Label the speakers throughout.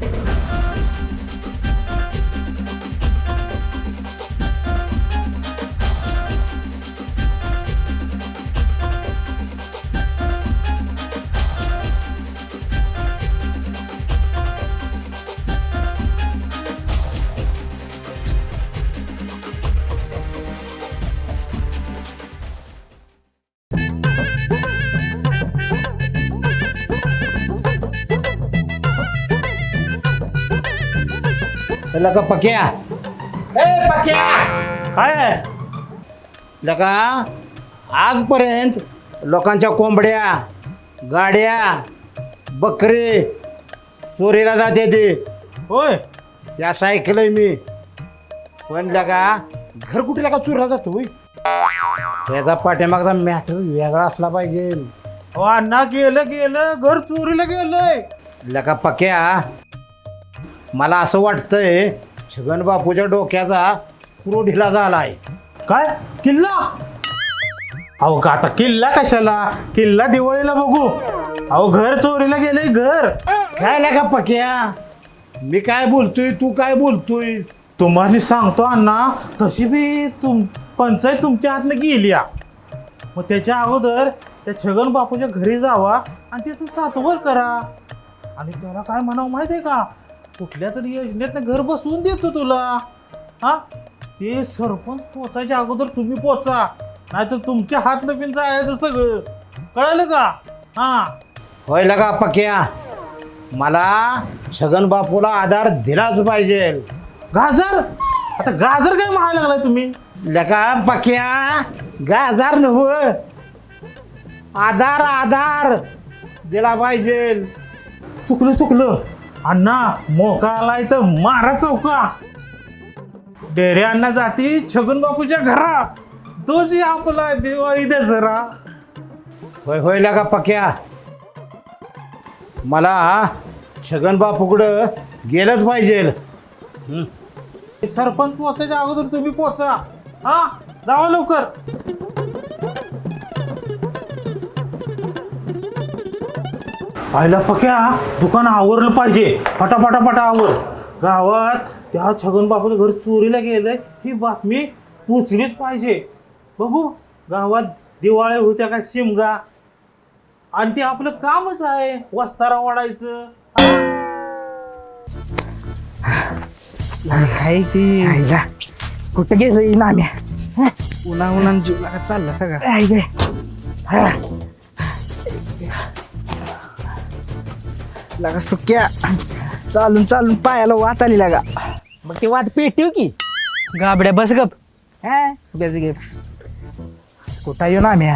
Speaker 1: लका पक्या ए पक्या काय लका आजपर्यंत लोकांच्या कोंबड्या गाड्या बकरी चोरीला जाते ते होय या ऐकलंय मी पण लका घर कुठे लका चोरीला जातो होय त्याचा पाठीमागचा मॅटर वेगळा असला पाहिजे.
Speaker 2: अण्णा गेलं गेलं घर चोरीला गेलंय.
Speaker 1: लका पक्या मला असं वाटतंय छगन बापूच्या डोक्याचा पुरो ढिला झाला आहे.
Speaker 2: काय किल्ला? अहो का आता किल्ला कशाला? किल्ला दिवाळीला बघू. अहो घर चोरीला गेलंय घर.
Speaker 1: काय लका पक्या मी काय बोलतोय तू काय बोलतोय?
Speaker 2: तुम्हाला सांगतो अण्णा तशी बी पंचायत तुमच्या हातनं गेली या. मग त्याच्या अगोदर त्या छगन बापूच्या घरी जावा आणि त्याचं सातवर करा आणि त्याला काय म्हणावं माहिती आहे का? कुठल्या तरी योजनेतनं घर बसवून देतो तुला. हा ते सरपंच पोचायच्या अगोदर तुम्ही पोचा नाहीतर तुमच्या हातनं बिन जायचं सगळं. कळलं का? हा
Speaker 1: होय लका पक्या मला छगन बापूला आधार दिलाच पाहिजे.
Speaker 2: गाजर? आता गाजर काय म्हणायला लागलाय तुम्ही?
Speaker 1: लका पक्या गाजार नव आधार आधार दिला पाहिजे.
Speaker 2: चुकलं अण्णा मोका आलाय तर मारा चौका. डेरे अण्णा जाती छगन बापूच्या घरा तोच आपला दिवाळी दसरा.
Speaker 1: होय होय लका पक्या मला छगन बापूकडं गेलंच पाहिजे.
Speaker 2: सरपंच पोचायच्या अगोदर तुम्ही पोचा. हा जावा लवकर. पाहिला पक्या दुकान आवरलं पाहिजे. फटाफटा आवर. गावात त्या छगन बापूचं घर चोरीला गेलंय ही बातमी पोचलीच पाहिजे. बघू गावात दिवाळी होत्या काय शिमगा आणि ते आपलं कामच आहे वस्तारा वाढायचं.
Speaker 3: काय ती कुठं गेलं नाम्या? उन्हा जीव लागा चालला सगळा. लागा सुक्या चालून पायाला वात आली लागा. मग ती वात पेटव की गाबड्या बस गप. बस गप कुठं येऊ नाम्या?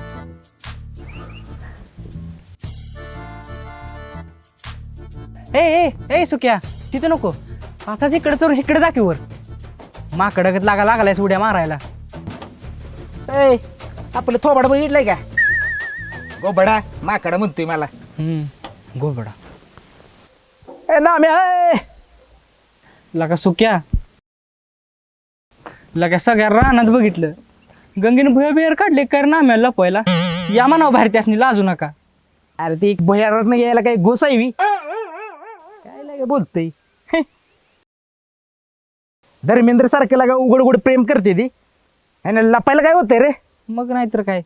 Speaker 3: ए सुक्या तिथं नको असाच इकडे तर इकडे दाखवर. माकडगत लागलाय उड्या मारायला. आपलं थोबाड बघितलंय का? गोबडा माकडा म्हणतोय मला. गोबडा नाम्या लगा सुक्या लगा सगळ्या रानात बघितलं गंगेने भुया बियर काढले कर नाम्या लपवायला. या म्हणावं बाहेर त्यासनी लाजू नका. अरे ती एक भुयारात यायला काही गोसावी काय लागे बोलतय. धर्मेंद्र सारखं लागा उघड प्रेम करते ती आणि लपायला काय होतंय रे? मग नाहीतर काय.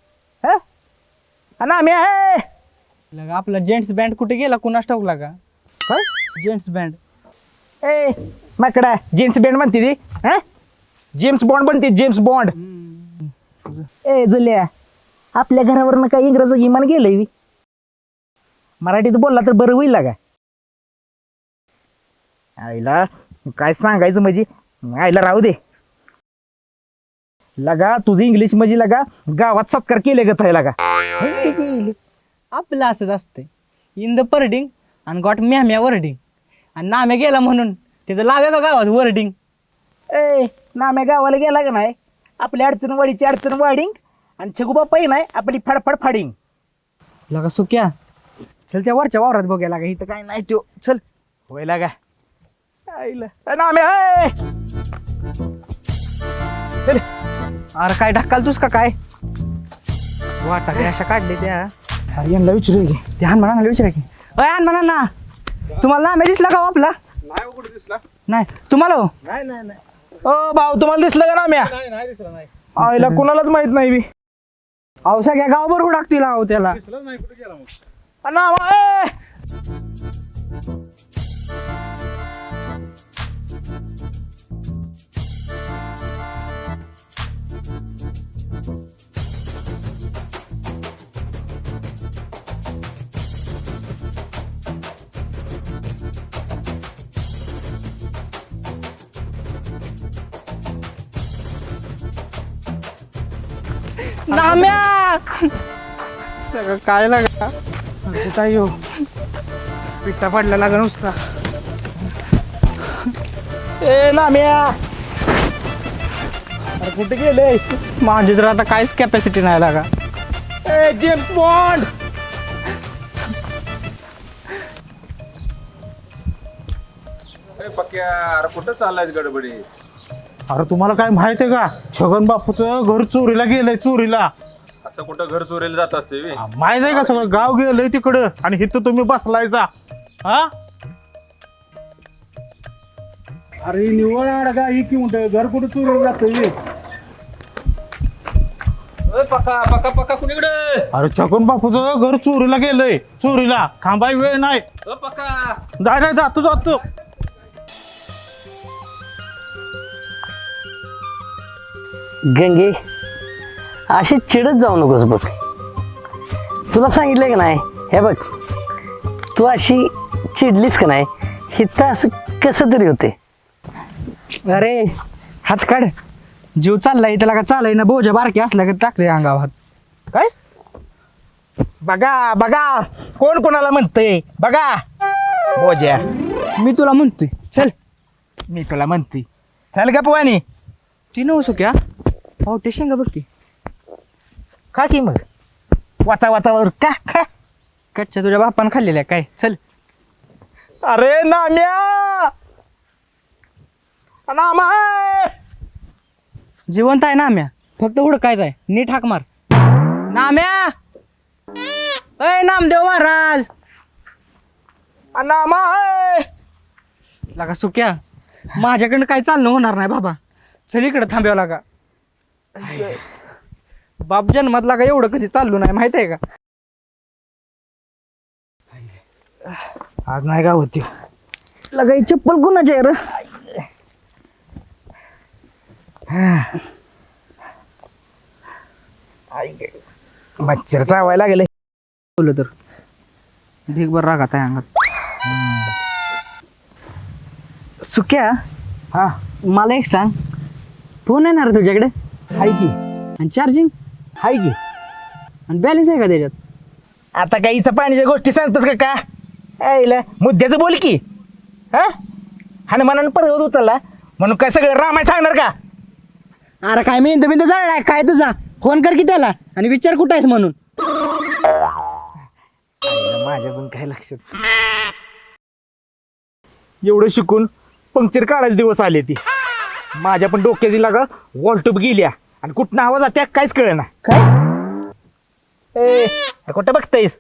Speaker 3: नाम्या लगा आपला जेंट्स बँड कुठे गेला कुणास ठाऊक लागा. काय जेंट्स बँड? माकडा जेम्स बँड म्हणते ती. जेम्स बॉन्ड बनते जेम्स बॉन्ड. जुल्या आपल्या घरावरनं काय इंग्रजी विमान गेलंय? मराठीत बोलला तर बरं होईल लागा. आईला काय सांगायचं म्हणजे आईला राहू दे लगा. तुझं इंग्लिश म्हणजे लगा गावात सत्कार केले ग थाय लागा. आपलं असंच असतंय. इन द पर्डिंग आणि गॉट म्याम्या वर्डिंग आणि नाम्या गेला म्हणून त्याचं लाव्या का गावात वर्डिंग. नाम्या गावाला गेला का नाही आपल्या अडचणवाडीची अडचण वाढिंग आणि छगुबापाई नाही आपली फडफड फाडिंग लगा. सुक्या चल त्या वरच्या वावरात बघायला लागा. इथं काय नाही तो चल. होय लागा नाम्या. चल अरे काय ढक्काल तुस का काय वाटा काय अशा काढले त्या यांना विचारू की त्या हनुमानाला विचारा की. हनुमाना तुम्हाला नाम्या दिसला का हो आपला?
Speaker 2: नाही कुठे दिसला?
Speaker 3: नाही तुम्हाला हो?
Speaker 2: नाही नाही नाही
Speaker 3: ओ भाऊ तुम्हाला दिसलं का नाम्या?
Speaker 2: नाही दिसला नाही.
Speaker 3: आईला कुणालाच माहित नाही बी. अहो सगळ्या गावभर हुडाकतील अहो त्याला.
Speaker 2: दिसलाच नाही, कुठे गेला मग?
Speaker 3: नामा ए! नाम्या काय लागा कुठं येऊ पिट्टा पडला लागा नुसता. ए नाम्या अरे कुठे गेले? माझी तर आता काहीच कॅपॅसिटी नाही लागा. ए जेम्स बॉन्ड
Speaker 4: पक्या अरे कुठं चाललाय गडबडी?
Speaker 2: अरे तुम्हाला काय माहित आहे का, छगन बापूचं घर चोरीला गेलंय, चोरीला.
Speaker 4: आता कुठं घर चोरीला जात असते बे?
Speaker 2: माहित आहे का, सगळं गाव गेलंय तिकडं आणि इथं तुम्ही बसलायचा. हा अरे निवळ अडगा ही की म्हणतोय, घर कुठं चोरीला जातोय?
Speaker 4: पक्का पक्का पक्का कुणीकडे?
Speaker 2: अरे छगन बापूचं घर चोरीला गेलंय, चोरीला. थांबाय वेळ नाही.
Speaker 4: पक्का
Speaker 2: जाय नाही, जातो जातो.
Speaker 5: गंगे अशी चिडत जाऊ नकोस बघ. तुला सांगितलंय का नाही, हे बघ तू अशी चिडलीस का नाही, हिथं असं कसं तरी होते.
Speaker 3: अरे हात काढ. जीव चाललाय त्याला का चालय ना, बोजा बारकी असल्या का टाकले अंगावर.
Speaker 6: काय बघा बघा कोण कोणाला म्हणतंय बघा. बोज्या
Speaker 3: मी तुला म्हणतोय चल.
Speaker 6: मी तुला म्हणतोय चल का पवानी.
Speaker 3: ती नवसो क्या पावटे शेंगा बघ की.
Speaker 6: खा की मग वाचा वाचावर का खा.
Speaker 3: कच्च्या तुझ्या बापानं खाल्लेल्या काय. चल
Speaker 6: अरे नाम्या नामा
Speaker 3: जिवंत आहे नाम्या, फक्त हुडकायचं आहे. नीट हाक मार. नाम्या अय नामदेव महाराज.
Speaker 6: नामा
Speaker 3: लागा सुक्या माझ्याकडनं काय चालणं होणार नाही बाबा. चल इकडे थांब्यावं लागा. बाप जन्मात लागा एवढं कधी चाललो नाही माहित आहे का.
Speaker 6: आज नाही का होती.
Speaker 3: लगाई चप्पल कुणाची आहे रे?
Speaker 6: मच्छर चावायला लागले.
Speaker 3: बोललो तर ढीगभर रागात आहे अंगात. सुक्या
Speaker 6: हा
Speaker 3: मला एक सांग, फोन येणार तुझ्याकडे?
Speaker 6: हाय की
Speaker 3: आणि चार्जिंग
Speaker 6: हाय की.
Speaker 3: आणि बॅलन्स आहे का त्याच्यात?
Speaker 6: आता काहीच पाण्याच्या गोष्टी सांगतोस का ऐला मुद्द्याचं बोल की. हा हनुमानानं पर्वत उचलला म्हणून काय सगळं रामाय सांगणार का?
Speaker 3: अरे काय मेंदू बिंदू जाणार काय तुझा? फोन कर की त्याला आणि विचार कुठं आहेस म्हणून.
Speaker 6: माझ्या पण काय लक्षात. एवढं शिकून पंक्चर काढायचे दिवस आले ती. माझ्या पण डोक्याची लागा वॉलटूब गेल्या आणि कुठं आवाज जात्या काहीच कळेना. काय ए कुठं बघतायस?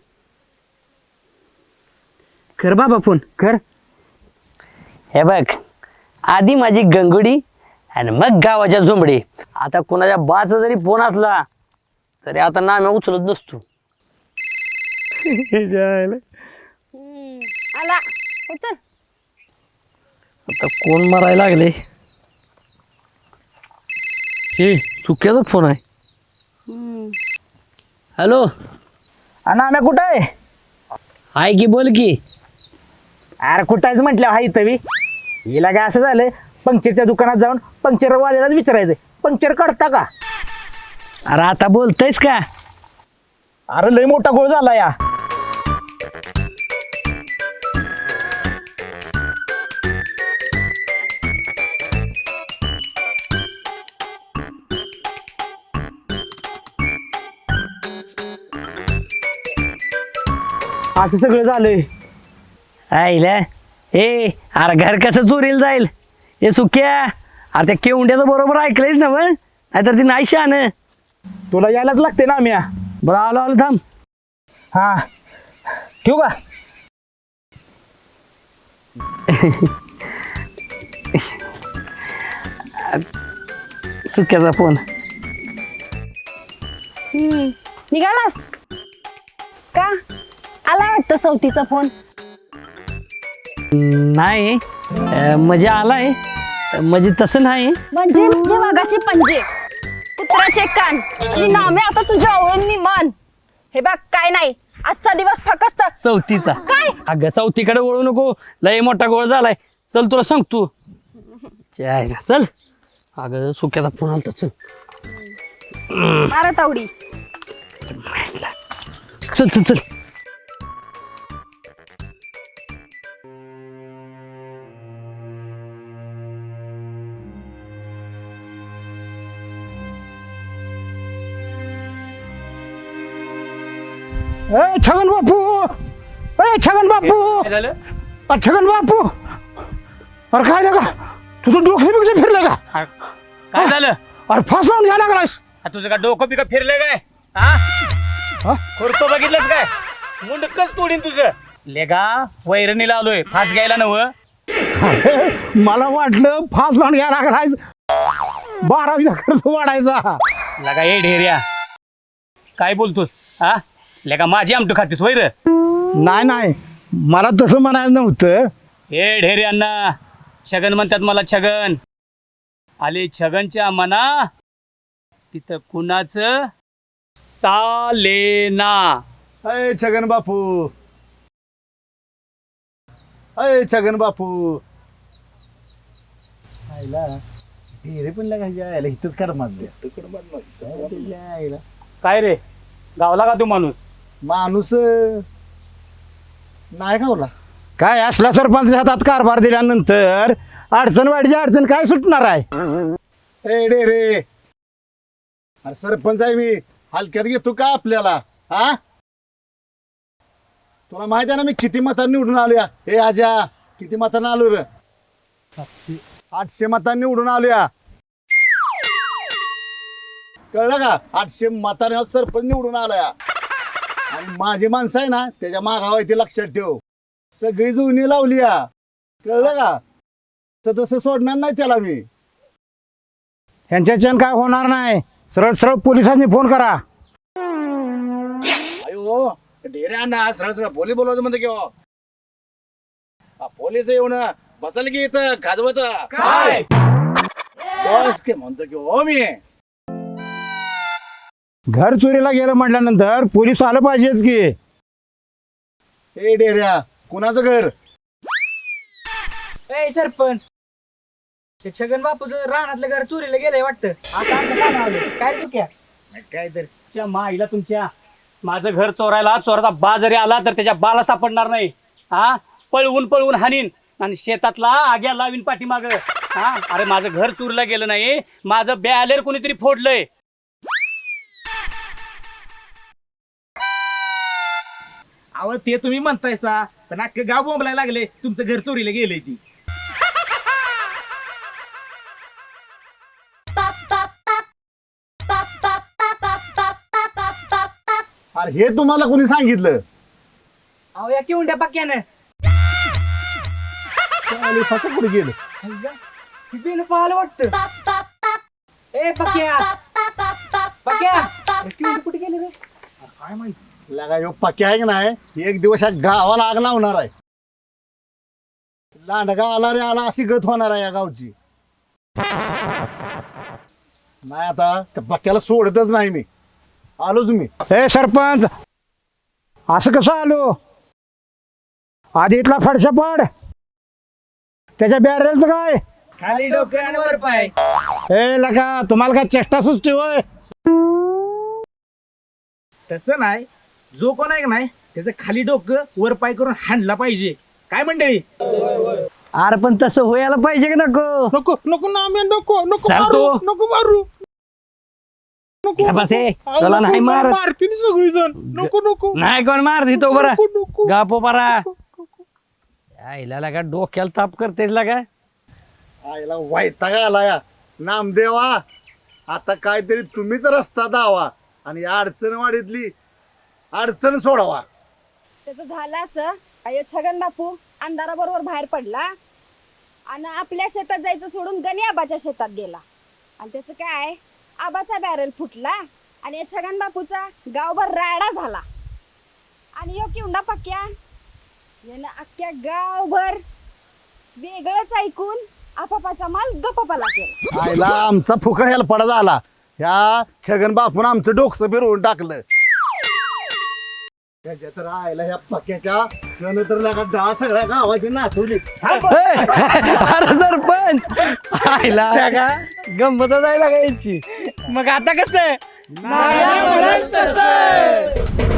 Speaker 3: कर बाबा फोन कर.
Speaker 5: हे बघ आधी माझी गंगुडी आणि मग गावाच्या झोंबडी. आता कोणाच्या बाचा जरी फोन असला तरी आता नाम्या उचलत नसतो.
Speaker 7: आला उचल.
Speaker 5: आता कोण मारायला लागले? हे चुक्याचा फोन आहे. हॅलो
Speaker 6: आणि आम्ही कुठं आहे?
Speaker 5: आहे की, बोल की.
Speaker 6: अरे कुठं आहेस म्हटलं हाय तवी. हिला काय असं झालं, पंक्चरच्या दुकानात जाऊन पंक्चर वाल्यालाच विचारायचं पंक्चर काढता का.
Speaker 5: अरे आता बोलतयस का?
Speaker 6: अरे लय मोठा गोळ झाला या. असं सगळं झालंय.
Speaker 5: आईला ए अरे घर कसं चोरीला जाईल? हे सुक्या अरे त्या केवंड्याचं बरोबर ऐकलंयच ना मग, नाहीतर ती नाही शान.
Speaker 6: तुला यायलाच लागते ना आम्ही.
Speaker 5: बरं आलो आलो थांब.
Speaker 6: हा ठेवू का?
Speaker 5: सुक्याचा फोन.
Speaker 7: निघालास का? आला वाटतं सवतीचा फोन.
Speaker 5: नाही म्हणजे आलाय, म्हणजे तसं नाही.
Speaker 7: म्हणजे हे वाघाचे पंजे, कुत्र्याचे कान आणि नामे आता तुझ्या आवळून मी मान. हे बघ काय नाही, आजचा दिवस फकस्त.
Speaker 5: चौथीचा.
Speaker 7: काय?
Speaker 5: अगं चौथीकडे वळू नको, लय मोठा गोळ झालाय. चल तुला सांगतो. चल. अगं सुक्याचा फोन आलता, चल.
Speaker 7: मारा तावडी.
Speaker 5: चल चल चल.
Speaker 1: छगन बापू, छगन बापू,
Speaker 4: काय झालं
Speaker 1: छगन बापू. अरे काय लगा, तुझं डोकं बिकं फिरलं का?
Speaker 4: काय झालं
Speaker 1: अरे फास लावून घ्या लागलास.
Speaker 4: तुझं का डोकं बिकं फिरलंय काय? हा खुरपं बघितलंच काय? मुंडकच तोडीन तुझं. लेगा वैरणीला आलोय, फास घ्यायला नव.
Speaker 1: मला वाटलं फास लावून घ्या लागलास, 12वीचा खर्च वाढायचा.
Speaker 4: लगा ए ढेऱ्या, काय बोलतोस? हा लेगा माझी आमटू खातीस वैर?
Speaker 1: नाही, मला तसं म्हणायचं नव्हतं.
Speaker 4: ए ढेऱ्यांना छगन म्हणतात मला. छगन आले छगनच्या मना, तिथं कुणाचं चालेना.
Speaker 8: अय छगन बापू, अय छगन बापू. आईला ढेरे पण लागायचे, आयला इथंच कर मारले.
Speaker 4: काय रे गावला का तू माणूस?
Speaker 8: माणूस नाही गावला.
Speaker 1: काय असला सरपंच हातात कारभार दिल्यानंतर अडचण वाढीची अडचण काय सुटणार आहे?
Speaker 8: ए ढेरे, अरे सरपंच आहे मी, हलक्यात घेतो का आपल्याला? हा तुला माहिती आहे ना मी किती मतांनी निवडून आलो या? हे आजा किती मतांनी आलो रे? 800 मतांनी निवडून आलो या. कळलं का? 800 मतांनी सरपंच निवडून आला. आणि माझी माणसं आहे ना त्याच्या मागावर ते लक्षात ठेव. सगळी जुनी लावली या. कळलं का? तसं सोडणार नाही त्याला मी.
Speaker 1: ह्यांच्याच्यान काय होणार नाही. सरळ सरळ पोलिसांनी फोन करा.
Speaker 8: अयो ढेऱ्यांना सरळ सरळ बोली बोलवायचं म्हणते किंवा पोलीस येऊन बसल की इथं गाजवत
Speaker 4: काय
Speaker 8: म्हणतो की हो मी.
Speaker 1: घर चोरीला गेलं म्हटल्यानंतर पोलीस आलं पाहिजेच की.
Speaker 8: ए ढेऱ्या, कुणाचं घर?
Speaker 3: ए सरपंच, ते छगन बापूचं रानातलं घर चोरीला गेलंय वाटतं. आता आमच्या कानावर आलं. काय चुक्या?
Speaker 4: काय तर तुमच्या माईला तुमच्या, माझं घर चोरायला चोराचा बा जरी आला तर त्याच्या बाला सापडणार नाही. हा पळवून पळवून हानीन आणि शेतातला आग्या लावीन पाठीमाग. हा अरे माझं घर चोरीला गेलं नाही, माझं बॅलेर कोणीतरी फोडलंय.
Speaker 6: अहो ते तुम्ही म्हणतायसा, पण अख्खं गाव बोंबलायला लागले तुमचं घर चोरीला गेलंय ती.
Speaker 8: अरे हे तुम्हाला कोणी सांगितलं?
Speaker 3: अहो या किवंड्या पक्क्यानं
Speaker 8: कुठे गेलं?
Speaker 3: बिन पाहायला वाटतं. ए पक्क्या पक्क्या, किवंडी कुठे गेली रे?
Speaker 8: काय माहिती लगा ह्यो पक्या आहे की नाही, एक दिवस या गावाला आग लावणार आहे. लांडगा आला रे आला अशी गत होणार आहे या गावची. नाही आता त्या पक्याला सोडतच नाही मी. आलो तुम्ही.
Speaker 1: हे सरपंच, असं कसं आलो? आधी इथला फडशा पाड, त्याच्या बॅरेलचं काय?
Speaker 3: खाली डोकं आणि वर पाय.
Speaker 1: हे लगा, तुम्हाला काय चेष्टा सुचते होय?
Speaker 6: तसं नाही, जो कोण आहे का नाही त्याचं खाली डोकं वर पाय करून हाणला पाहिजे. काय मंडळी?
Speaker 5: अरे पण तसं व्हायला पाहिजे की नको?
Speaker 2: नको नको ना, आम्ही नको नको
Speaker 5: चालतो.
Speaker 2: मारू, नको मारू. नको,
Speaker 5: बस हे,
Speaker 2: नको.
Speaker 5: तुला नाही
Speaker 2: नको,
Speaker 5: मारत.
Speaker 2: मारतील सगळी जण. नको नको
Speaker 5: नाही कोण मार देतो बरं.
Speaker 2: नको, नको.
Speaker 5: गापो बरा. आईला लागा डोक्याला ताप करतेस लागा.
Speaker 8: आईला वैताग आला या. नामदेवा, आता काहीतरी तुम्हीच रस्ता दावा आणि या अडचणवाडीतली अडचण सोडवा.
Speaker 7: त्याचं झालं असं. अयो छगन बापू, अंधाराबरोबर बाहेर पडला आणि आपल्या शेतात जायचं सोडून गणी आबाच्या शेतात गेला. आणि त्याचं काय, आबाचा बॅरल फुटला आणि या छगन बापूचा गावभर राडा झाला. आणि यो किवडा पक्या यानं अख्ख्या गावभर वेगळंच ऐकून आपापाचा माल गप्पाला केला.
Speaker 8: आईला आमचा फुकट ह्याला पडा झाला. ह्या छगन बापून आमचं डोकं फिरवून टाकलं. त्याच्या तर आईला ह्या पक्याच्या क्षण तर लगा दहा सगळ्या गावाची नाचवली.
Speaker 5: अरे सरपंच आईला गंमत जायला का याची.
Speaker 3: मग आता कसं
Speaker 2: माया म्हणत तसं.